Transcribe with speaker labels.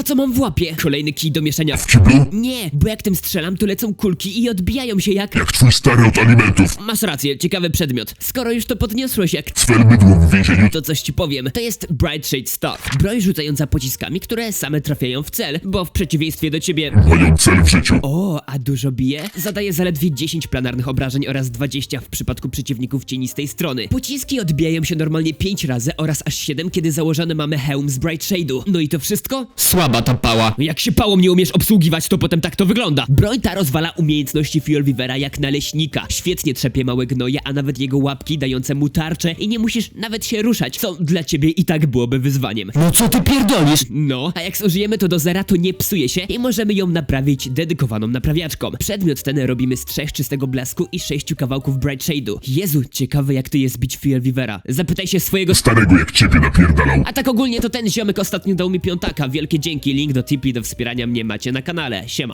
Speaker 1: pa co mam w łapie. Kolejny kij do mieszania.
Speaker 2: W kiblu?
Speaker 1: Nie, bo jak tym strzelam, to lecą kulki i odbijają się jak...
Speaker 2: Jak twój stary od alimentów.
Speaker 1: Masz rację, ciekawy przedmiot. Skoro już to podniosłeś jak...
Speaker 2: Sfer mydło w więzieniu.
Speaker 1: To coś ci powiem, to jest Bright Shade Stuff. Broń rzucająca pociskami, które same trafiają w cel, bo w przeciwieństwie do ciebie...
Speaker 2: Mają cel w życiu.
Speaker 1: O, a dużo bije? Zadaje zaledwie 10 planarnych obrażeń oraz 20 w przypadku przeciwników cienistej strony. Pociski odbijają się normalnie 5 razy oraz aż 7, kiedy założony mamy hełm z Bright Shade'u. No i to wszystko? Słaba ta pała. Jak się pałą nie umiesz obsługiwać, to potem tak to wygląda. Broń ta rozwala umiejętności Fjolvivera jak naleśnika. Świetnie trzepie małe gnoje, a nawet jego łapki dające mu tarczę i nie musisz nawet się ruszać, co dla ciebie i tak byłoby wyzwaniem.
Speaker 3: No co ty pierdolisz?
Speaker 1: No, a jak zużyjemy to do zera, to nie psuje się i możemy ją naprawić dedykowaną naprawiaczką. Przedmiot ten robimy z 3 czystego blasku i 6 kawałków Bright Shade'u. Jezu, ciekawe jak to jest bić Fjolvivera. Zapytaj się swojego...
Speaker 2: Starego jak ciebie napierdalał.
Speaker 1: A tak ogólnie to ten ziomek ostatnio dał mi piątaka. Wielkie dzięki, link do Tipeee do wspierania mnie macie na kanale. Siema.